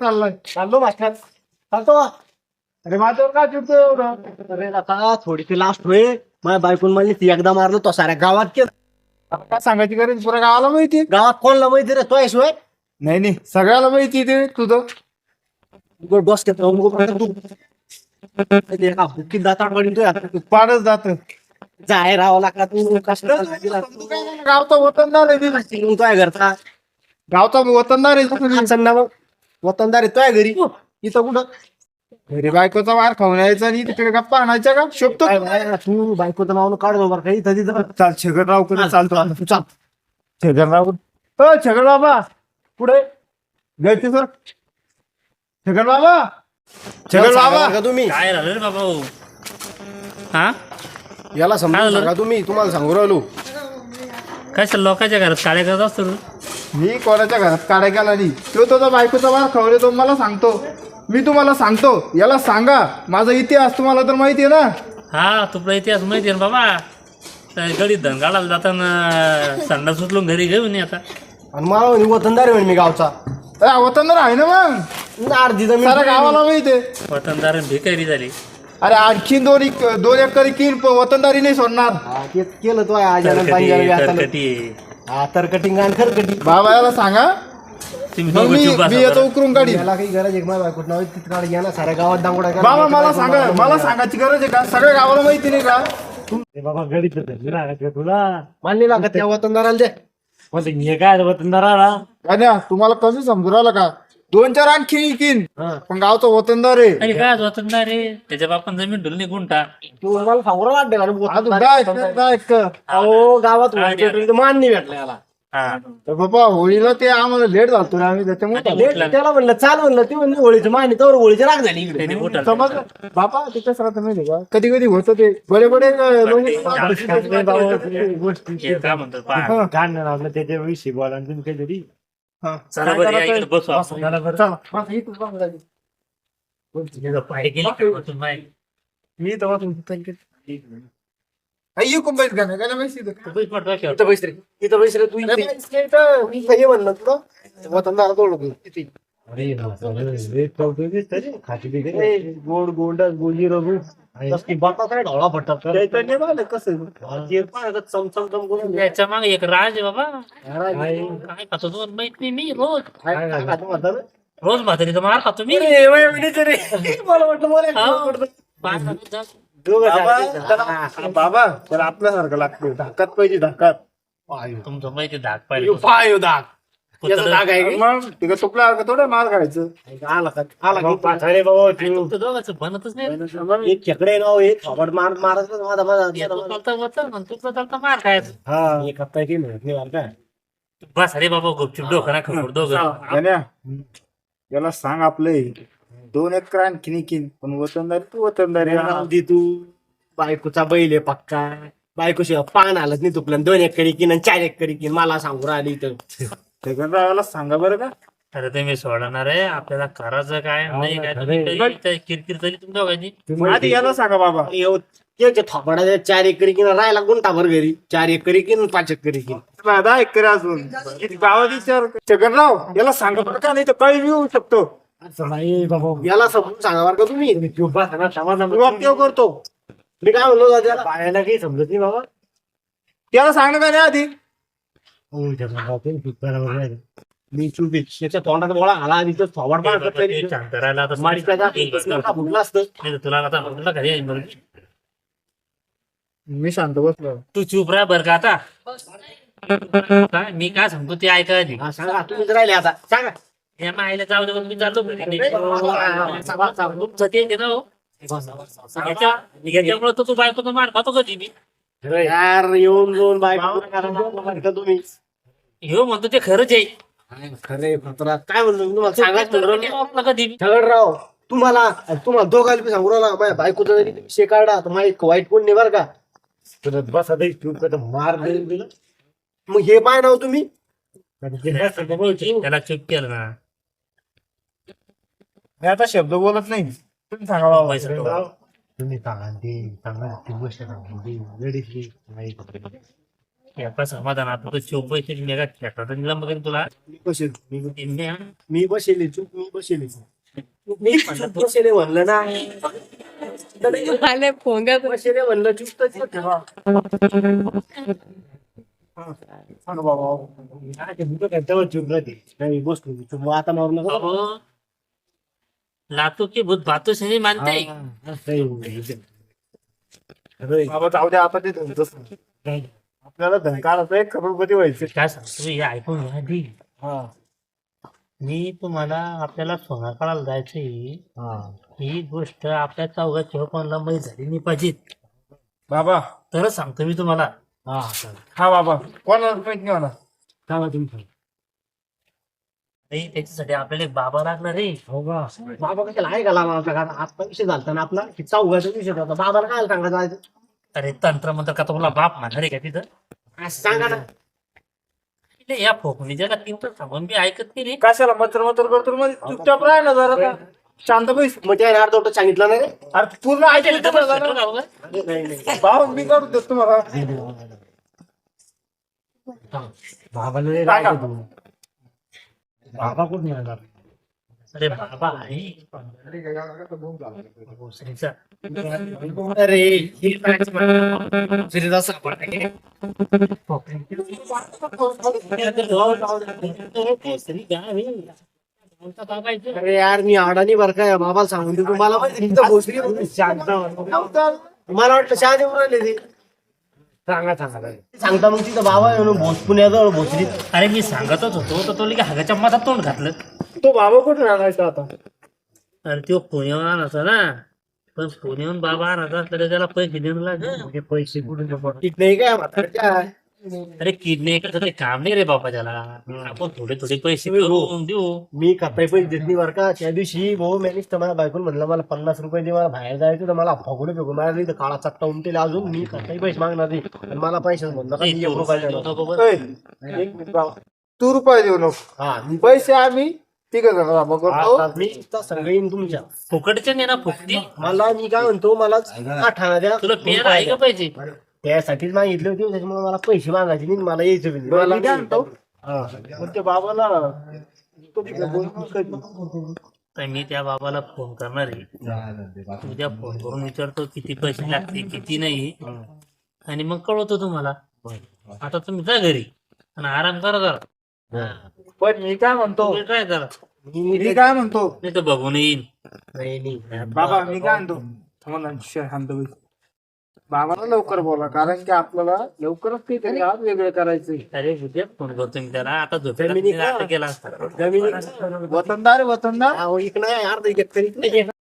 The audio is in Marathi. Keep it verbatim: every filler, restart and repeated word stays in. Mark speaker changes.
Speaker 1: चाललाय?
Speaker 2: चाललो मास्टर चालतो.
Speaker 1: अरे माझ्यावर काय चिडतो एवढं?
Speaker 2: अरे आता थोडीशी लास्ट होय. माझ्या बायकून म्हणली ती एकदा मारलं तो साऱ्या गावात केलं.
Speaker 1: आता काय सांगायची गरज पुऱ्या गावाला माहिती.
Speaker 2: गावात कोणला माहिती रे तो शिवाय
Speaker 1: नाही नाही सगळ्याला माहिती ते तुझं.
Speaker 2: बस किती दाता
Speaker 1: तू पाडच जात.
Speaker 2: जाय राहावं लागला तू कष्ट
Speaker 1: गावचा वतनदार आहे ती.
Speaker 2: तुझ्या घरचा
Speaker 1: गावचा वतनदार आहे.
Speaker 2: संना मग वतनदार आहे तुझ्या घरी इथं कुठं
Speaker 1: घरी बायकोचा वार खाऊन यायचा आणि तिकडे गप्पा आणायच्या का शोभतो.
Speaker 2: काय बाय, तू बायकोचं नाव काढतो बरं काही इथं तिथं
Speaker 1: चाल छगनराव कडे चालतो.
Speaker 2: तू चाल.
Speaker 1: छगनराव हो छगन बाबा पुढे जायचे सर. छगन बाबा छगन बाबा
Speaker 2: का तुम्ही
Speaker 3: काय झालं रे बाबा हो? हा
Speaker 2: याला
Speaker 3: काय
Speaker 2: समजून
Speaker 3: झालं?
Speaker 2: सांगा तुम्ही तुम्हाला सांगू राहिलो.
Speaker 3: काय लोकांच्या घरात काळे करत असतो रे?
Speaker 1: मी कोणाच्या घरात काढाय गेला नाही. तो तुझा बायकोचा वार खाऊ तो मला सांगतो. मी तुम्हाला सांगतो याला सांगा माझा इतिहास तुम्हाला तर माहिती आहे ना.
Speaker 3: हा तुला इतिहास माहिती आहे ना बाबा. त्या गडीत धन काढायला जाताना संडा सुटलून घरी घेऊन ये आता.
Speaker 2: आणि मला म्हणे वतनदार आहे म्हणे मी गावचा
Speaker 1: अरे वतनदार आहे ना मग.
Speaker 2: अर्धी जमीन
Speaker 1: सारा गावाला माहिती आहे.
Speaker 3: वतनदार भिकारी झाली.
Speaker 1: अरे आणखी दोन इक- दोन एकर किन वतनदारी नाही सोडणार.
Speaker 2: हा, तेच केलं तो आज
Speaker 3: तरकटी तरकटी.
Speaker 2: हा तर कटिंग आणि खरकटी
Speaker 1: बाबा याला सांगा
Speaker 3: तुम्ही
Speaker 1: मग
Speaker 3: दोघं
Speaker 1: मी
Speaker 3: चुप बसा
Speaker 1: मी याचं
Speaker 3: जरा.
Speaker 1: उकरून काढी.
Speaker 2: याला काही गरज आहे माझ्या बायकोट नाव तिथं काढ घ्या ना साऱ्या गावात दांगोडा करा.
Speaker 1: बाबा मला सांगा मला सांगायची गरज आहे का सगळ्या गावाला माहिती नाही का.
Speaker 4: बाबा गडीत तुला
Speaker 2: मानली लागत त्या वतनदाराला दे.
Speaker 4: म्हणते हे काय वतनदाराला
Speaker 1: गाण्या तुम्हाला कसं समजू राहिलं का. दोन चार आणखी किन
Speaker 2: हा.
Speaker 1: पण गावचा वतनदार आहे.
Speaker 3: अरे काय वतनदार रे त्याच्या बापान जमीन ढुलणी गुंठा.
Speaker 2: तू मला सांगू राहिला
Speaker 1: अजून
Speaker 2: वतनदार
Speaker 1: काय काय- काय काय.
Speaker 2: अहो गावात होळी मान नाही भेटला याला.
Speaker 3: हा
Speaker 1: तर बाबा होळीला ते आम्हाला लेट झालतो रे आम्ही त्याच्यामुळे
Speaker 3: आणि
Speaker 2: लेट त्याला म्हणलं चाल म्हणलं ते म्हणलं होळीचं माहिती तर होळीची राग झाली इकडे.
Speaker 3: त्याने उठाल.
Speaker 1: समजलं बाबा तिच्या सगळं माहिती का कधी कधी होतं ते बडे बडे
Speaker 3: हे काय म्हणतात पहा.
Speaker 4: गाणं लावलं त्याच्याविषयी बोला आणि तुम्ही काहीतरी
Speaker 3: चला बरं या इकडे बसू आपण.
Speaker 4: चला बरं.
Speaker 3: हे पाय गेली का वतन बाई?
Speaker 1: मी तेव्हा आई कुंभाईत गाणं गाणं माहिती आहे का?
Speaker 3: तू पण डोक्यावर.
Speaker 2: इथं बैस रे इथं बैस रे तू
Speaker 1: अरे
Speaker 2: इथे.
Speaker 1: बाई, इथं
Speaker 2: मी हे म्हणलं तुला वतनदार तोडलं तिथे.
Speaker 4: अरे रे चौथं दिसतं रे. खाती बिगडी. गोड गोंडस गोजी रघु
Speaker 2: तसली बाता काय ढवळा फटतात का?
Speaker 1: चैतन्य झालं कसं.
Speaker 2: ते पाय का चमचम चम करून
Speaker 3: याच्या मागे एक राज आहे बाबा.
Speaker 2: काय
Speaker 3: काय खातो दोन माहित नाही मी रोज
Speaker 2: काय खातो म्हणता ना?
Speaker 3: रोज म्हातारीचा मार खातो मी.
Speaker 2: अरे, वय वहिनीचं रे. मला वाटलं मला
Speaker 3: हा. पाच खातो जा.
Speaker 2: दोघं
Speaker 1: बाबा
Speaker 2: सारखे.
Speaker 1: त्याला बाबा त्याला आपल्यासारखं लागतं धाकात पाहिजे धाकात.
Speaker 3: तुमचं माहिती धाक
Speaker 2: यो
Speaker 3: पाहिजे.
Speaker 2: पाय यो दाग. याचा
Speaker 3: कुत्रं-
Speaker 2: दाग आहे का?
Speaker 1: मग तिकडे तुपला थोडं मार खायचं.
Speaker 2: आला का? आला का?
Speaker 4: पाथारे बाबा तू
Speaker 3: तुमचं दोघांचं बनतच नाही.
Speaker 2: एक खेकडे नाव एक थोबड मार मारत माझा माझा
Speaker 3: तू चालता वतन आणि तुझं चालता मार खायचं.
Speaker 4: हा
Speaker 2: एक हप्ता काही मिळत नाही मला काय.
Speaker 3: बस अरे बाबा गुपचूप डोकं ना खबर दोघं.
Speaker 1: गाण्या याला सांग आपले दोन एकर आणखी किन पण वतनदारी तू वतनदारी
Speaker 2: राहू दे तू बायकोचा बैल आहे पक्का. बायकोशिवाय पान आलत नाही तुपलं दोन एक करी किन आणि चार एक करी किन मला सांगू राहिली तर
Speaker 1: छगनरावाला सांगा बरं का.
Speaker 3: अरे ते मी सोडणार आहे आपल्याला करायचं काय नाही काय तुम्ही तरी- तरी किरकिर तरी तुमच्या दोघांची.
Speaker 1: आधी याला सांगा बाबा.
Speaker 2: त्याच्या थोपाडा चार एक करी किन राहायला गुंठाभर घरी चार एक करी किन पाच एक करी किन.
Speaker 1: दहा एकर अजून गावात विचार छगनराव याला सांगा बरं का नाही तर काही येऊ शकतो.
Speaker 4: असं नाही बाबा
Speaker 2: याला समजून सांगा बरं का तुम्ही.
Speaker 4: तुम्ही चुप बसा ना समाज
Speaker 1: मी वाक्य करतो.
Speaker 2: मी काय म्हणलो त्याला
Speaker 4: पायाला काही समजत नाही बाबा.
Speaker 1: त्याला सांगणं का नाही आधी.
Speaker 4: हो जगन्नाथ तुम्ही चूप करा बरं.
Speaker 2: मी चुपी त्याच्या तोंडात गोळा घाला आणि तो थोबाड
Speaker 3: हे
Speaker 2: पाड
Speaker 3: बाबा ते शांत राहिला आता
Speaker 2: मारीचा जा-
Speaker 3: एक बस कर.
Speaker 2: फुटलं असतं.
Speaker 3: नाही तर तुला आता म्हटलं घरी आहे बरं.
Speaker 1: मी शांत बसलो.
Speaker 3: तू चुप राह बर का आता. काय मी काय सांगतो ते ऐका आधी.
Speaker 2: हा, सांगा तुम्हीच राहिले आता सांगा.
Speaker 3: या माईला जाऊ दे मग मी चाललो घरी. तुमचं ते आहे ना हो. याच्या- याच्यामुळे तर तू बायकोचा मार खातो कधी मी.
Speaker 2: यार येऊन जाऊन बायको करा तुम्ही.
Speaker 3: ह्यो म्हणतो ते खरंच आहे.
Speaker 2: खरे फतरा काय म्हणतो मी तुम्हाला सांगायचं म्हणलं ना.
Speaker 3: आपला कधी मी.
Speaker 2: राव तुम्हाला तुम्हाला दोघायला बी सांगू राहिला माझ्या बायकोचा जरी विषय काढा तर माझी वाईट कोण नाही बरं का.
Speaker 4: तुला बसा तरी चूप कर मार देईल तुला.
Speaker 2: मग हे पाय नाव तुम्ही
Speaker 3: त्याला चुप केलं ना.
Speaker 1: मी आता शब्द बोलत नाही. तुम्ही सांगा बाबा.
Speaker 3: पैसा ठेवा.
Speaker 4: तुम्ही सांगा ते सांगा ती गोष्ट सांगा ती वेडीची नाही.
Speaker 3: याचा समाधान आता तो चोप पैसे मेगा खेळतात दिला मग तुला
Speaker 2: मी बसेल मी
Speaker 3: इंडिया
Speaker 2: मी बसेल चूक मी बसेल मी चूप बसेल म्हणलं ना
Speaker 5: मला फोन कर
Speaker 2: बसेल म्हणलं चूक तर चूक ठेवा. हा. सांग बाबा काय ते भूत काय तेव्हा चूक राहते नाही बसलो मी चूप आता मारू नका
Speaker 3: बाबू लातू की भूत बातू से नहीं मानते
Speaker 1: बाबा जाऊ द्या आता ते धनच आपल्याला धनकाराचं एक करोडपती व्हायचं.
Speaker 3: काय सांगतो हे ऐकून घ्या आधी.
Speaker 2: हा
Speaker 3: मी तुम्हाला आपल्याला सोना काढायला जायचंय
Speaker 2: हा
Speaker 3: ही गोष्ट आपल्या चौघा चौकोनला माहीत झाली नाही पाहिजे
Speaker 1: बाबा
Speaker 3: तरच सांगतो मी तुम्हाला.
Speaker 2: हा चालेल
Speaker 1: हा बाबा कोणाला माहित नाही म्हणा.
Speaker 2: सांगा तुम्ही
Speaker 3: नाही त्याच्यासाठी आपल्याला एक बाबा लागणार रे.
Speaker 2: हो का बाबा कशाला आहे का लावा आपल्या घरात आज विषय झालता ना आपला की चौघाचा विषय होता बाबाला काय सांगायचं
Speaker 3: अरे तंत्र मंत्र का तुम्हाला बाप म्हणणार आहे का तिथं
Speaker 2: सांगा ना
Speaker 3: इले या फोकणी जगा तीन तर सांगून मी ऐकत नाही रे.
Speaker 1: कशाला मतर मतर करतो मध्ये चुपचाप राह ना जरा आता. शांत बैस.
Speaker 2: मग त्या अर्धवट सांगितलं नाही रे?
Speaker 1: अरे पूर्ण ऐकायला तर बघा ना.
Speaker 2: नाही नाही
Speaker 1: भाऊ मी करू देतो तुम्हाला.
Speaker 2: बाबाला नाही
Speaker 1: सांगा.
Speaker 2: राहायचं तुम्ही. बाबा कुठून येणार
Speaker 3: अरे बाबा आहे भोसरीचा.
Speaker 2: अरे हे काय श्रीदास सापडते.
Speaker 3: भोसरी गाव आहे. कोणता बाबा आहे तो?
Speaker 2: अरे यार मी अडाणी बर काय बाबाला सांगून देतो मला माहिती तिथं भोसरी मला वाटलं शहा देऊन राहिले ते सांगा सांगा सांगता मग तिथं बाबा येऊन भोस पुण्याजवळ भोसरी
Speaker 3: अरे मी सांगतच होतो तर तो लिखा हागाच्या मधात तोंड घातलं.
Speaker 2: तो बाबा कुठून आणायचा आता
Speaker 3: अरे तो पुण्यावर आणायचा ना पण पुण्याहून बाबा आणायचा असला तर त्याला पैसे देऊन लागेल.
Speaker 2: पैसे कुठून ठीक नाही काय म्हातारच्या
Speaker 3: अरे किडनी एकाच ते काम नाही रे बाबा त्याला. आपण थोडे थोडे पैसे करून देऊ.
Speaker 2: मी काही पैसे देत नाही बरं का त्या दिवशी भाऊ मॅनेज तर मला बायकून म्हणलं मला पन्नास रुपये दे मला बाहेर जायचं तर मला फगुडे फेकून मला नाही तर काळा चट्टा उमटेल अजून मी काही पैसे मागणार नाही आणि मला पैसे म्हणलं का
Speaker 3: ए,
Speaker 2: मी
Speaker 3: तू
Speaker 2: एक रुपया
Speaker 3: रुपये
Speaker 2: देणार.
Speaker 3: देऊ नको बरं.
Speaker 1: ए, एक मिनिट बाबा. तू रुपये देऊ नको.
Speaker 2: हा मी
Speaker 1: पैसे आम्ही तिघ जण बाबा करतो.
Speaker 2: आता मी इथं संग येईन तुमच्या
Speaker 3: फुकटचे नाही ना फुकटी.
Speaker 2: मला मी काय म्हणतो मला आठाणा द्या
Speaker 3: तुला पेर आहे का पाहिजे.
Speaker 2: त्यासाठीच मागितले होते त्याच्यामुळे मला पैसे मागायचे नाही मला यायचं बी नाही.
Speaker 1: मला काय म्हणतो
Speaker 2: हा.
Speaker 1: पण त्या बाबाला तो तिकडे बोलून कधी.
Speaker 3: तर मी त्या बाबाला फोन करणार आहे. उद्या फोन करून विचारतो किती पैसे लागते किती नाही आणि मग कळवतो तुम्हाला. आता तुम्ही जा घरी आणि आराम करा जरा.
Speaker 1: पण मी काय म्हणतो
Speaker 3: तुम्ही काय करा
Speaker 2: मी
Speaker 1: मी काय म्हणतो
Speaker 3: नाही तर बघून येईन.
Speaker 2: नाही नाही
Speaker 1: बाबा मी काय म्हणतो थांबा ना, शांत बैस. बाबाला लवकर बोला कारण की आपल्याला लवकरच काहीतरी आज वेगळं करायचंय.
Speaker 3: अरे उद्या फोन करतो मी त्याला. आता
Speaker 2: जमिनी का?
Speaker 3: झोपेला केला असता.
Speaker 2: जमिनी
Speaker 1: वतनदार आहे, वतनदार
Speaker 2: अहो, इकडं नाही अर्ध एक तरी